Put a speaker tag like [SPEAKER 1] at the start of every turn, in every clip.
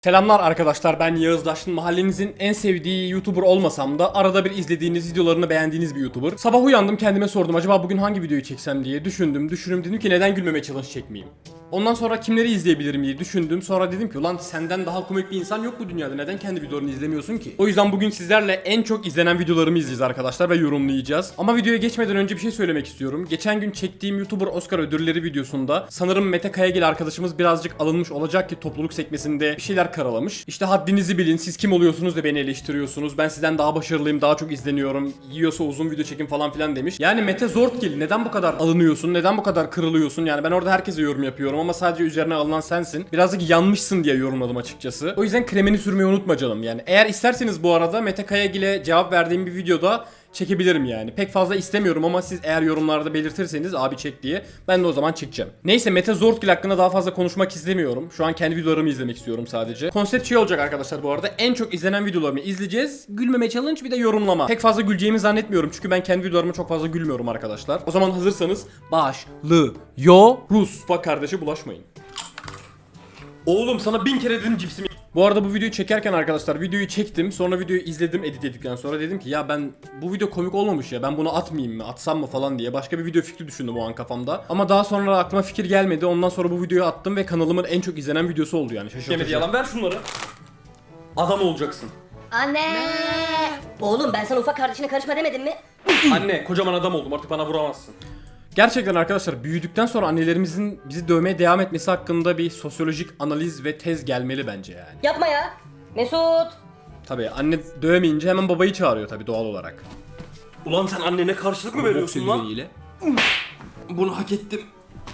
[SPEAKER 1] Selamlar arkadaşlar, ben Yağız Daşlı. Mahallenizin en sevdiği YouTuber olmasam da arada bir izlediğiniz videolarını beğendiğiniz bir YouTuber. Sabah uyandım, kendime sordum acaba bugün hangi videoyu çeksem diye düşündüm dedim ki neden gülmeme challenge çekmeyeyim. Ondan sonra kimleri izleyebilirim diye düşündüm. Sonra dedim ki ulan senden daha komik bir insan yok bu dünyada, neden kendi videolarını izlemiyorsun ki? O yüzden bugün sizlerle en çok izlenen videolarımı izleyeceğiz arkadaşlar ve yorumlayacağız. Ama videoya geçmeden önce bir şey söylemek istiyorum. Geçen gün çektiğim YouTuber Oscar ödülleri videosunda sanırım Mete Kayagil arkadaşımız birazcık alınmış olacak ki topluluk sekmesinde bir şeyler karalamış. İşte haddinizi bilin, siz kim oluyorsunuz da beni eleştiriyorsunuz, ben sizden daha başarılıyım, daha çok izleniyorum, yiyorsa uzun video çekin falan filan demiş. Yani Mete Zortgil, neden bu kadar alınıyorsun, neden bu kadar kırılıyorsun? Yani ben orada herkese yorum yapıyorum ama sadece üzerine alınan sensin. Birazcık yanmışsın diye yorumladım açıkçası. O yüzden kremini sürmeyi unutma canım yani. Eğer isterseniz bu arada Mete Kayagil'e cevap verdiğim bir videoda çekebilirim yani. Pek fazla istemiyorum ama siz eğer yorumlarda belirtirseniz abi çek diye, ben de o zaman çekeceğim. Neyse, Mete Zortgil hakkında daha fazla konuşmak istemiyorum. Şu an kendi videolarımı izlemek istiyorum sadece. Konsept şey olacak arkadaşlar bu arada. En çok izlenen videolarımı izleyeceğiz. Gülmeme challenge, bir de yorumlama. Pek fazla güleceğimi zannetmiyorum çünkü ben kendi videolarıma çok fazla gülmüyorum arkadaşlar. O zaman hazırsanız başlıyoruz. Bak kardeşe bulaşmayın. Oğlum sana 1000 kere dedim cipsimi. Bu arada bu videoyu çekerken arkadaşlar videoyu çektim, sonra videoyu izledim edit ettikten sonra dedim ki ya ben bu video komik olmamış ya, ben bunu atmayayım mı, atsam mı falan diye başka bir video fikri düşündüm o an kafamda. Ama daha sonra aklıma fikir gelmedi, ondan sonra bu videoyu attım ve kanalımın en çok izlenen videosu oldu yani, şaşırtıcı.
[SPEAKER 2] Yalan, ver şunları. Adam olacaksın.
[SPEAKER 3] Anne! Oğlum ben sana ufak kardeşine karışma demedim mi?
[SPEAKER 2] Anne, kocaman adam oldum, artık bana vuramazsın.
[SPEAKER 1] Gerçekten arkadaşlar büyüdükten sonra annelerimizin bizi dövmeye devam etmesi hakkında bir sosyolojik analiz ve tez gelmeli bence yani.
[SPEAKER 3] Yapma ya. Mesut.
[SPEAKER 1] Tabii anne dövmeyince hemen babayı çağırıyor tabii doğal olarak.
[SPEAKER 2] Ulan sen annene karşılık mı veriyorsun lan?
[SPEAKER 1] Boks
[SPEAKER 2] Bunu hak ettim.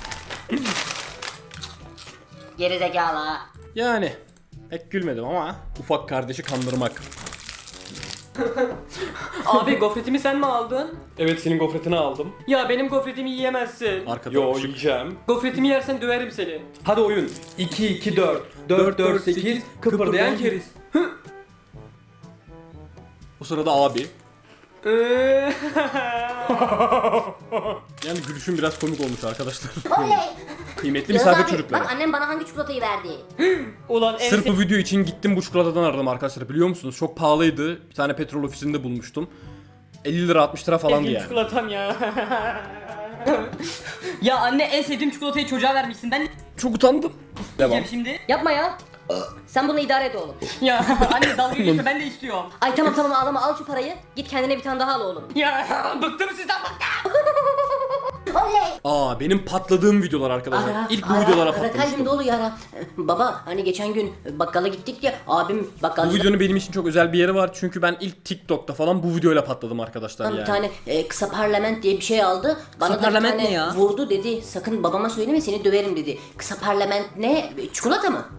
[SPEAKER 3] Gerizekalı.
[SPEAKER 1] Yani pek gülmedim ama ufak kardeşi kandırmak.
[SPEAKER 4] Abi gofretimi sen mi aldın?
[SPEAKER 2] Evet, senin gofretini aldım.
[SPEAKER 4] Ya benim gofretimi yiyemezsin.
[SPEAKER 1] Arkada
[SPEAKER 2] Yo,
[SPEAKER 1] ışık.
[SPEAKER 2] yiyeceğim.
[SPEAKER 4] Gofretimi yersen döverim seni.
[SPEAKER 2] Hadi oyun. 2 2 4 4 4 8 kıpırdayan keriz.
[SPEAKER 1] O sırada abi. Yani gülüşüm biraz komik olmuş arkadaşlar.
[SPEAKER 3] Oley.
[SPEAKER 1] Kıymetli
[SPEAKER 3] Yağız
[SPEAKER 1] misafir
[SPEAKER 3] abi
[SPEAKER 1] çocukları.
[SPEAKER 3] bak annem bana hangi çikolatayı verdi?
[SPEAKER 4] Ulan en
[SPEAKER 1] Sırf bu video için gittim bu çikolatadan aradım arkadaşlar, biliyor musunuz? Çok pahalıydı. Bir tane petrol ofisinde bulmuştum. 50 lira 60 lira falandı
[SPEAKER 4] sevdiğim
[SPEAKER 1] yani.
[SPEAKER 4] çikolatam ya. Ya anne en sevdiğim çikolatayı çocuğa vermişsin. Ben ne
[SPEAKER 1] Çok utandım. Devam.
[SPEAKER 4] yiyeceğim şimdi?
[SPEAKER 3] Yapma ya. Sen bunu idare et oğlum.
[SPEAKER 4] Ya anne dalga geçme, ben de istiyorum.
[SPEAKER 3] Ay tamam ağlama, al şu parayı. Git kendine bir tane daha al oğlum.
[SPEAKER 4] Ya bıktım sizden, bıktım.
[SPEAKER 3] Oley.
[SPEAKER 1] Aa, benim patladığım videolar arkadaşlar. İlk bu videolara
[SPEAKER 3] kalbim
[SPEAKER 1] patlamıştım.
[SPEAKER 3] dolu yara. Baba hani geçen gün bakkala gittik ya, abim
[SPEAKER 1] Bu
[SPEAKER 3] bakkalcıdan
[SPEAKER 1] videonun benim için çok özel bir yeri var çünkü ben ilk TikTok'ta falan bu videoyla patladım arkadaşlar
[SPEAKER 3] bir
[SPEAKER 1] yani.
[SPEAKER 3] tane kısa parlament diye bir şey aldı. Bana
[SPEAKER 4] Kısa
[SPEAKER 3] da bir
[SPEAKER 4] parlament
[SPEAKER 3] tane
[SPEAKER 4] ne ya?
[SPEAKER 3] vurdu, dedi sakın babama söyleme seni döverim dedi. Kısa parlament ne? Çikolata mı?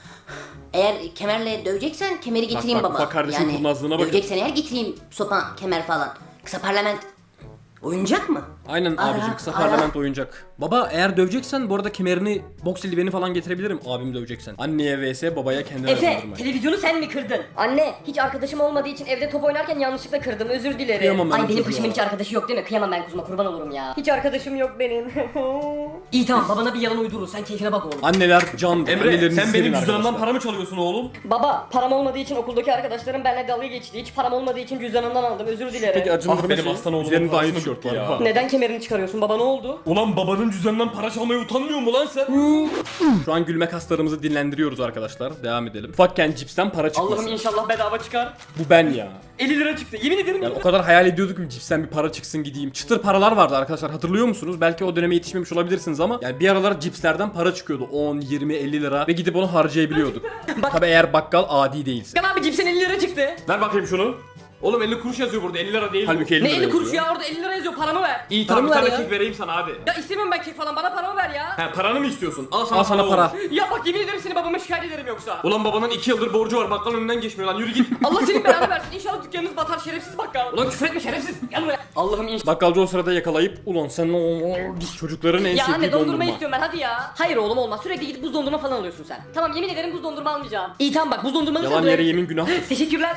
[SPEAKER 3] Eğer kemerle döveceksen kemeri getireyim
[SPEAKER 1] bak,
[SPEAKER 3] baba.
[SPEAKER 1] ufak kardeşin kurnazlığına bakın.
[SPEAKER 3] Döveceksen eğer getireyim sopa, kemer falan. Kısa parlament oyuncak mı?
[SPEAKER 1] Aynen abicim, kısa parlament oyuncak. Baba eğer döveceksen bu arada kemerini, boks eldiveni falan getirebilirim abimi döveceksen. Anneye vs babaya kendine
[SPEAKER 4] Efe
[SPEAKER 1] öldürme.
[SPEAKER 4] televizyonu sen mi kırdın?
[SPEAKER 3] Anne hiç arkadaşım olmadığı için evde top oynarken yanlışlıkla kırdım, özür dilerim.
[SPEAKER 1] Kıyamam ben
[SPEAKER 3] Ay
[SPEAKER 1] o
[SPEAKER 3] benim
[SPEAKER 1] çocuğa.
[SPEAKER 3] kuşumun hiç arkadaşı yok değil mi? Kıyamam ben kuzuma, kurban olurum ya.
[SPEAKER 4] Hiç arkadaşım yok benim. İyi tamam, babana bir yalan uydurur, sen keyfine bak oğlum.
[SPEAKER 1] Anneler candır.
[SPEAKER 2] Emre,
[SPEAKER 1] Annelerinizi
[SPEAKER 2] sen
[SPEAKER 1] sevin
[SPEAKER 2] benim cüzdanımdan
[SPEAKER 1] arkadaşlar.
[SPEAKER 2] para mı çalıyorsun oğlum?
[SPEAKER 4] Baba param olmadığı için okuldaki arkadaşlarım benimle dalga geçti. Hiç param olmadığı için cüzdanımdan aldım, özür dilerim.
[SPEAKER 1] Peki acındırma
[SPEAKER 2] benim
[SPEAKER 1] şey,
[SPEAKER 2] aslan oğlumun
[SPEAKER 1] üzerinde aynı
[SPEAKER 2] parasını
[SPEAKER 1] tişört
[SPEAKER 2] bitti
[SPEAKER 1] var.
[SPEAKER 2] ya.
[SPEAKER 1] Ha.
[SPEAKER 4] Neden kemerini çıkarıyorsun baba, ne oldu?
[SPEAKER 2] Ulan babanın cüzdanından para çalmaya utanmıyor mu lan sen?
[SPEAKER 1] Şu an gülme kaslarımızı dinlendiriyoruz arkadaşlar. Devam edelim. Ufakken cipsten para çıkmasın.
[SPEAKER 4] Allah'ım inşallah bedava çıkar.
[SPEAKER 1] Bu ben ya.
[SPEAKER 4] 50 lira çıktı, yemin ederim.
[SPEAKER 1] Yani o kadar hayal ediyorduk ki cipsten bir para çıksın gideyim. Çıtır paralar vardı arkadaşlar, hatırlıyor musunuz? Belki o döneme yetişmemiş olabilirsiniz ama yani bir aralar cipslerden para çıkıyordu. 10, 20, 50 lira ve gidip onu harcayabiliyorduk. Tabi eğer bakkal adi değilse.
[SPEAKER 4] Kan abi cipsen 50 lira çıktı.
[SPEAKER 2] Ver bakayım şunu. Oğlum 50 kuruş yazıyor burada, 50 lira değil.
[SPEAKER 1] Halbuki 50
[SPEAKER 4] Ne
[SPEAKER 1] lira
[SPEAKER 4] 50 kuruş
[SPEAKER 1] yazıyor.
[SPEAKER 4] ya, orada 50 lira yazıyor, paramı ver.
[SPEAKER 2] İyi tamam, bir
[SPEAKER 4] Paramı
[SPEAKER 2] tane
[SPEAKER 4] ver ya.
[SPEAKER 2] kek vereyim sana hadi.
[SPEAKER 4] Ya istemiyorum ben kek falan, bana paramı ver ya.
[SPEAKER 2] He, paranı mı istiyorsun? Al sana,
[SPEAKER 1] Al sana
[SPEAKER 2] oğlum.
[SPEAKER 1] para.
[SPEAKER 4] Ya bak yemin ederim seni babama şikayet ederim yoksa.
[SPEAKER 2] Ulan babanın 2 yıldır borcu var, bakkal önünden geçmiyor lan, yürü git.
[SPEAKER 4] Allah senin belanı versin, İnşallah dükkanınız batar şerefsiz bakkal. Ulan küfür etme şerefsiz, gel buraya. Allah'ım inşallah.
[SPEAKER 1] Bakkalcı o sırada yakalayıp ulan sen çocukların en
[SPEAKER 4] Ya
[SPEAKER 1] sevdiği
[SPEAKER 4] anne dondurma
[SPEAKER 1] dondurma.
[SPEAKER 4] istiyorum ben, hadi ya. Hayır oğlum olmaz, sürekli gidip buz dondurma falan alıyorsun sen. Tamam yemin ederim buz dondurma almayacağım. İyi tamam bak, buz dondurmanı
[SPEAKER 1] Yalan
[SPEAKER 4] sen
[SPEAKER 1] yere yemin günah.
[SPEAKER 4] Teşekkürler.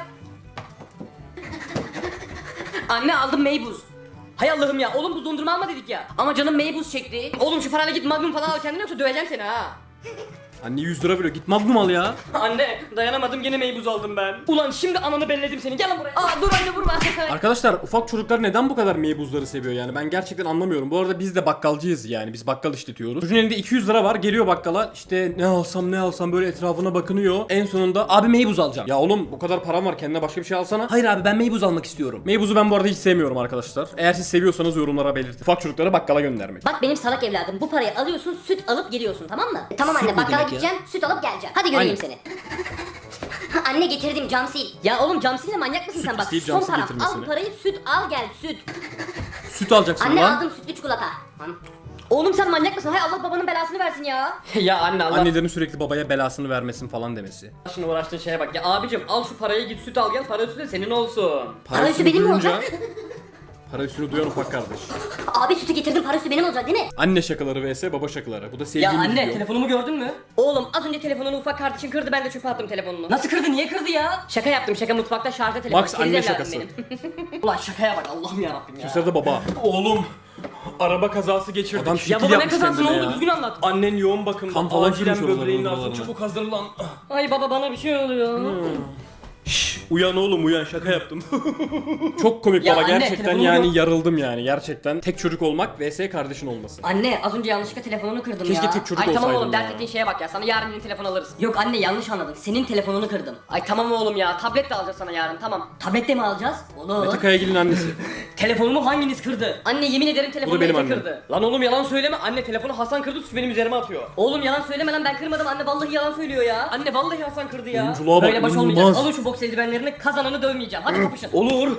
[SPEAKER 4] Anne aldım meybuz. Hay Allah'ım ya, oğlum buz dondurma alma dedik ya. Ama canım meybuz çekti. Oğlum şu parayla git Magnum falan al kendine, yoksa döveceğim seni ha.
[SPEAKER 1] Anne 100 lira veriyor. Git Magnum al ya.
[SPEAKER 4] Anne dayanamadım gene meybuz aldım ben. Ulan şimdi ananı belledim seni. Gel lan buraya. Aa dur anne vurma.
[SPEAKER 1] Arkadaşlar ufak çocuklar neden bu kadar meybuzları seviyor yani? Ben gerçekten anlamıyorum. Bu arada biz de bakkalcıyız yani. Biz bakkal işletiyoruz. Çocuğun elinde 200 lira var. Geliyor bakkala. İşte ne alsam böyle etrafına bakınıyor. En sonunda abi meybuz alacağım. Ya oğlum bu kadar param var. Kendine başka bir şey alsana. Hayır abi ben meybuz almak istiyorum. Meybuzu ben bu arada hiç sevmiyorum arkadaşlar. Eğer siz seviyorsanız yorumlara belirtin. Ufak çocukları bakkala göndermek.
[SPEAKER 3] Bak benim salak evladım, bu parayı alıyorsun, süt alıp geliyorsun, tamam mı? Tamam
[SPEAKER 1] Süt
[SPEAKER 3] anne,
[SPEAKER 1] ne
[SPEAKER 3] bakkala
[SPEAKER 1] demek ya?
[SPEAKER 3] gideceğim, süt alıp geleceğim. Hadi göreyim
[SPEAKER 1] Aynen.
[SPEAKER 3] seni. Anne getirdim, cam sil.
[SPEAKER 4] Ya oğlum cam silme manyak mısın
[SPEAKER 1] Süt
[SPEAKER 4] sen bak.
[SPEAKER 1] isteyip
[SPEAKER 3] Son
[SPEAKER 1] cam sil
[SPEAKER 3] param,
[SPEAKER 1] getirmesini.
[SPEAKER 3] al parayı, süt al gel, süt.
[SPEAKER 1] Süt alacaksın
[SPEAKER 3] Anne
[SPEAKER 1] lan.
[SPEAKER 3] aldım sütlü çikolata.
[SPEAKER 4] Oğlum sen manyak mısın? Hay Allah babanın belasını versin ya. ya anne Allah
[SPEAKER 1] Annelerin sürekli babaya belasını vermesin falan demesi.
[SPEAKER 4] Şimdi uğraştığın şeye bak. Ya abicim al şu parayı git süt al gel. Para üstü de senin olsun.
[SPEAKER 3] Para üstü benim mi olacak?
[SPEAKER 1] Para üstünü duyan ufak kardeş.
[SPEAKER 3] Abi sütü getirdim, para üstü benim olacak değil mi?
[SPEAKER 1] Anne şakaları vs baba şakaları. Bu da
[SPEAKER 4] Ya
[SPEAKER 1] sevdiğim
[SPEAKER 4] anne
[SPEAKER 1] video.
[SPEAKER 4] telefonumu gördün mü? Oğlum az önce telefonunu ufak kardeşin kırdı ben de çöpe attım telefonunu. Nasıl kırdı niye kırdı ya? Şaka yaptım şaka mutfakta şarjda telefon.
[SPEAKER 1] Max
[SPEAKER 4] Keriz
[SPEAKER 1] anne
[SPEAKER 4] evladım
[SPEAKER 1] şakası.
[SPEAKER 4] benim. Ulan şakaya bak Allah'ım yarabbim ya.
[SPEAKER 1] Bu sırada baba.
[SPEAKER 2] Oğlum araba kazası geçirdik.
[SPEAKER 1] Adam
[SPEAKER 4] Ya
[SPEAKER 1] şekil
[SPEAKER 4] baba ne
[SPEAKER 1] yapmış
[SPEAKER 4] kazası ne
[SPEAKER 1] kendine
[SPEAKER 4] oldu
[SPEAKER 1] ya.
[SPEAKER 4] düzgün anlat.
[SPEAKER 2] Annen yoğun bakımda.
[SPEAKER 1] Kan falan
[SPEAKER 2] Acilen
[SPEAKER 1] sürmüş
[SPEAKER 2] böbreğinin
[SPEAKER 1] oralarına.
[SPEAKER 2] altına çabuk hazırlan.
[SPEAKER 4] Ay baba bana bir şey oluyor.
[SPEAKER 2] Uyan oğlum uyan, şaka yaptım.
[SPEAKER 1] Çok komik
[SPEAKER 4] Ya
[SPEAKER 1] baba
[SPEAKER 4] anne,
[SPEAKER 1] gerçekten
[SPEAKER 4] telefonumu
[SPEAKER 1] yani
[SPEAKER 4] yok.
[SPEAKER 1] yarıldım yani gerçekten. Tek çocuk olmak vs kardeşin olması.
[SPEAKER 4] Anne az önce yanlışlıkla telefonunu kırdım
[SPEAKER 1] Keşke
[SPEAKER 4] ya.
[SPEAKER 1] tek çocuk
[SPEAKER 4] Ay tamam
[SPEAKER 1] olsaydım
[SPEAKER 4] oğlum
[SPEAKER 1] ya.
[SPEAKER 4] dert ettiğin şeye bak ya sana yarın yeni telefon alırız. Yok anne yanlış anladın senin telefonunu kırdım. Ay tamam oğlum ya tablet de alacağız sana yarın tamam. Tablet de mi alacağız? Olur.
[SPEAKER 1] Mete Kayagil'in annesi.
[SPEAKER 4] Telefonumu hanginiz kırdı? Anne yemin ederim telefonu
[SPEAKER 1] benim
[SPEAKER 4] Mete
[SPEAKER 1] annem.
[SPEAKER 4] kırdı. Lan oğlum yalan söyleme anne telefonu Hasan kırdı suç benim üzerime atıyor. Oğlum yalan söyleme lan ben kırmadım anne vallahi yalan söylüyor ya. Anne vallahi Hasan kırdı ya.
[SPEAKER 1] Oyunculuğa bak,
[SPEAKER 4] Böyle baş olmayacak.
[SPEAKER 1] inanılmaz.
[SPEAKER 4] Alın şu boks eldivenlerini kazananı dövmeyeceğim. Hadi kapışın.
[SPEAKER 2] Olur.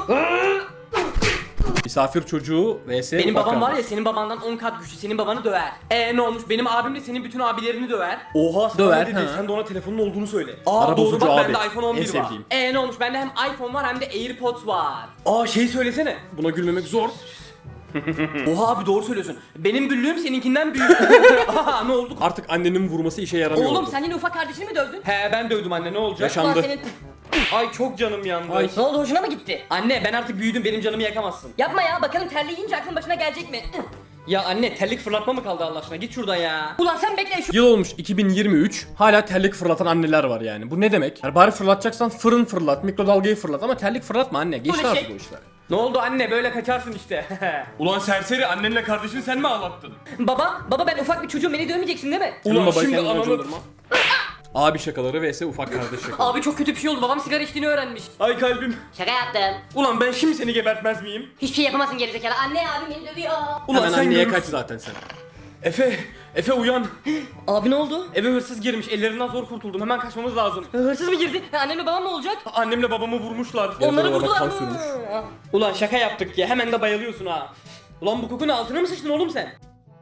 [SPEAKER 1] Misafir çocuğu vs
[SPEAKER 4] Benim
[SPEAKER 1] ufak
[SPEAKER 4] babam var ya
[SPEAKER 1] kardeş.
[SPEAKER 4] senin babandan 10 kat güçlü senin babanı döver. Ne olmuş benim abim de senin bütün abilerini döver.
[SPEAKER 2] Oha sana
[SPEAKER 1] Döver,
[SPEAKER 2] ne dedi?
[SPEAKER 1] ha.
[SPEAKER 2] Sen de ona telefonun olduğunu söyle.
[SPEAKER 1] Ara
[SPEAKER 2] doğru
[SPEAKER 1] bozucu
[SPEAKER 2] bak
[SPEAKER 1] abi.
[SPEAKER 2] bende iPhone 11
[SPEAKER 1] En
[SPEAKER 2] var.
[SPEAKER 1] sevdiğim.
[SPEAKER 4] Ne olmuş bende hem iPhone var hem de AirPods var.
[SPEAKER 2] Şey söylesene.
[SPEAKER 1] Buna gülmemek zor.
[SPEAKER 2] Oha abi doğru söylüyorsun.
[SPEAKER 4] Benim büllüğüm seninkinden büyük.
[SPEAKER 2] Aha ne oldu?
[SPEAKER 1] Artık annenin vurması işe yaramıyor.
[SPEAKER 4] Oğlum
[SPEAKER 1] oldu.
[SPEAKER 4] sen yine ufak kardeşini mi dövdün?
[SPEAKER 2] He ben dövdüm anne, ne olacak?
[SPEAKER 1] Yaşandı.
[SPEAKER 4] Ulan senin...
[SPEAKER 2] Ay çok canım yandı.
[SPEAKER 1] Ay.
[SPEAKER 4] Ne oldu hoşuna mı gitti? Anne ben artık büyüdüm benim canımı yakamazsın. Yapma ya bakalım terleyince aklın başına gelecek mi? Ya anne terlik fırlatma mı kaldı Allah aşkına git şuradan ya. Ulan sen bekle şu...
[SPEAKER 1] Yıl olmuş 2023. Hala terlik fırlatan anneler var yani. Bu ne demek? Yani bari fırlatacaksan fırın fırlat, mikrodalgayı fırlat ama terlik fırlatma anne. Geçti
[SPEAKER 4] Bu ne
[SPEAKER 1] artık
[SPEAKER 4] şey?
[SPEAKER 1] o işler.
[SPEAKER 2] Ne oldu anne, böyle kaçarsın işte. Ulan serseri, annenle kardeşini sen mi ağlattın?
[SPEAKER 4] Baba ben ufak bir çocuğum beni dövmeyeceksin değil mi?
[SPEAKER 1] Ulan
[SPEAKER 2] Ulan
[SPEAKER 1] babayı
[SPEAKER 2] şimdi
[SPEAKER 1] kendine
[SPEAKER 2] ananı...
[SPEAKER 1] acındırma. Abi şakaları vs ufak kardeş şakaları.
[SPEAKER 4] Abi çok kötü bir şey oldu babam sigara içtiğini öğrenmiş.
[SPEAKER 2] Ay kalbim.
[SPEAKER 3] Şaka yaptım.
[SPEAKER 2] Ulan ben şimdi seni gebertmez miyim?
[SPEAKER 3] Hiçbir şey yapamazsın gerizekalı. Anne abim beni dövüyor.
[SPEAKER 2] Ulan
[SPEAKER 1] Hemen
[SPEAKER 2] sen
[SPEAKER 1] anneye
[SPEAKER 2] görürsün.
[SPEAKER 1] kaç zaten sen.
[SPEAKER 2] Efe uyan.
[SPEAKER 4] Abi ne oldu?
[SPEAKER 2] Eve hırsız girmiş, ellerinden zor kurtuldum. Hemen kaçmamız lazım.
[SPEAKER 4] Hırsız mı girdi? Annemle babam ne olacak?
[SPEAKER 2] Annemle babamı vurmuşlar.
[SPEAKER 4] Onları
[SPEAKER 1] orada
[SPEAKER 4] vurdular
[SPEAKER 1] kan
[SPEAKER 4] mı?
[SPEAKER 1] sürmüş.
[SPEAKER 2] Ulan şaka yaptık ya, hemen de bayılıyorsun ha. Ulan bu kokunun altına mı sıçtın oğlum sen?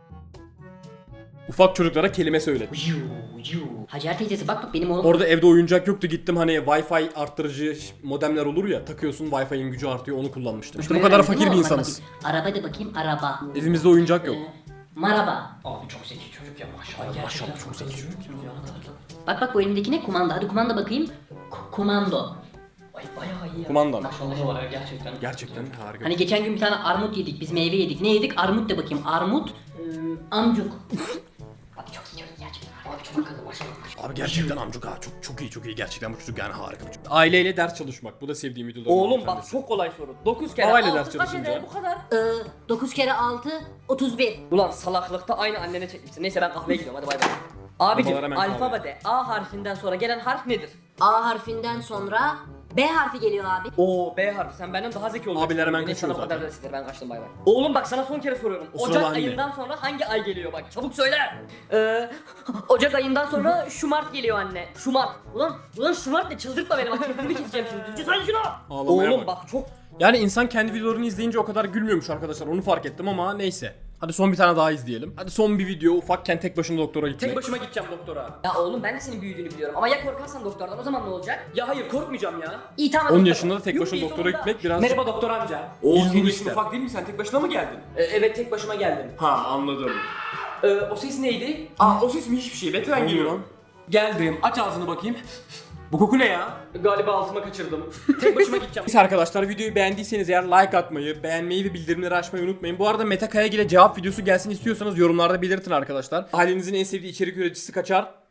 [SPEAKER 1] Ufak çocuklara kelime söyle.
[SPEAKER 3] Hacer teyzesi bak benim oğlum.
[SPEAKER 1] Orada evde oyuncak yoktu, gittim hani Wi-Fi arttırıcı modemler olur ya, takıyorsun Wi-Fi'nin gücü artıyor, onu kullanmıştım. İşte bu kadar fakir bir insanız.
[SPEAKER 3] Araba de bakayım, araba.
[SPEAKER 1] Evimizde oyuncak yok.
[SPEAKER 3] Maraba.
[SPEAKER 4] Abi çok zeki çocuk ya maşallah.
[SPEAKER 1] Maşallah çok zeki çocuk.
[SPEAKER 3] Bak bu elimdeki ne? Kumanda. Hadi kumanda bakayım. Kumando.
[SPEAKER 4] Ay bayağı iyi ya.
[SPEAKER 1] Kumanda mı?
[SPEAKER 4] Maşallah var ya gerçekten.
[SPEAKER 1] Gerçekten harika.
[SPEAKER 3] Hani geçen gün bir tane armut yedik. Biz meyve yedik. Ne yedik? Armut de bakayım. Armut. Amcuk. Abi çok iyi gerçekten. Abi çok akıllı maşallah.
[SPEAKER 1] Abi gerçekten amcuk ha, çok iyi gerçekten bu çocuk yani harika bir çocuk. Aileyle ders çalışmak, bu da sevdiğim videolardan
[SPEAKER 2] Oğlum
[SPEAKER 1] bir
[SPEAKER 2] bak
[SPEAKER 1] tanesi.
[SPEAKER 2] çok kolay soru. 9 kere
[SPEAKER 1] Havayla
[SPEAKER 2] 6
[SPEAKER 1] ders
[SPEAKER 2] kaç
[SPEAKER 1] çalışınca.
[SPEAKER 2] eder bu kadar?
[SPEAKER 3] 9 kere 6, 31.
[SPEAKER 4] Ulan salaklıkta aynı annene çekmişsin. Neyse ben kahveye gidiyorum hadi bay bay. Abicim
[SPEAKER 1] Babalar hemen kahve.
[SPEAKER 4] alfabede A harfinden sonra gelen harf nedir?
[SPEAKER 3] A harfinden sonra B harfi geliyor abi.
[SPEAKER 4] Oo B harfi sen benden daha zeki olacaksın.
[SPEAKER 1] Abiler hemen
[SPEAKER 4] Neyse,
[SPEAKER 1] kaçıyor
[SPEAKER 4] sana bu kadar
[SPEAKER 1] zaten.
[SPEAKER 4] dersidir ben kaçtım bay bay. Oğlum bak sana son kere soruyorum.
[SPEAKER 1] O sırada
[SPEAKER 4] Ocak
[SPEAKER 1] anne.
[SPEAKER 4] ayından sonra hangi ay geliyor bak çabuk söyle. Ocak ayından sonra Şumart geliyor anne. Şumart. Ulan Şumart ne çıldırtma beni bak köprünü keseceğim şimdi. Düzgün söyle şunu.
[SPEAKER 1] Ağlamaya
[SPEAKER 4] Oğlum
[SPEAKER 1] bak.
[SPEAKER 4] bak çok
[SPEAKER 1] Yani insan kendi videolarını izleyince o kadar gülmüyormuş arkadaşlar, onu fark ettim ama neyse. Hadi son bir tane daha izleyelim. Hadi son bir video, ufakken tek başına doktora gitmek.
[SPEAKER 2] Tek başıma gideceğim doktora.
[SPEAKER 4] Ya oğlum ben de senin büyüdüğünü biliyorum ama ya korkarsan doktordan o zaman ne olacak?
[SPEAKER 2] Ya hayır korkmayacağım ya.
[SPEAKER 4] İyi tamam.
[SPEAKER 1] 10
[SPEAKER 4] doktor.
[SPEAKER 1] yaşında da tek
[SPEAKER 4] Yuh,
[SPEAKER 1] başına
[SPEAKER 4] iyi,
[SPEAKER 1] doktora
[SPEAKER 4] sonunda.
[SPEAKER 1] gitmek biraz...
[SPEAKER 2] Merhaba doktor amca.
[SPEAKER 1] Oğlum,
[SPEAKER 2] Senin
[SPEAKER 1] bu
[SPEAKER 2] yaşın
[SPEAKER 1] işte.
[SPEAKER 2] ufak değil mi? Sen tek başına mı geldin?
[SPEAKER 4] Evet tek başıma geldim.
[SPEAKER 2] Ha anladım. O ses neydi? O ses mi, hiçbir şey. Betten
[SPEAKER 1] oldu
[SPEAKER 2] geliyorum.
[SPEAKER 1] lan?
[SPEAKER 2] Geldim. Aç ağzını bakayım. Bu koku ne ya?
[SPEAKER 4] Galiba altıma kaçırdım. Tek başıma gideceğim.
[SPEAKER 1] Neyse arkadaşlar, videoyu beğendiyseniz eğer like atmayı, beğenmeyi ve bildirimleri açmayı unutmayın. Bu arada Mete Kayagil'e cevap videosu gelsin istiyorsanız yorumlarda belirtin arkadaşlar. Ailenizin en sevdiği içerik üreticisi kaçar?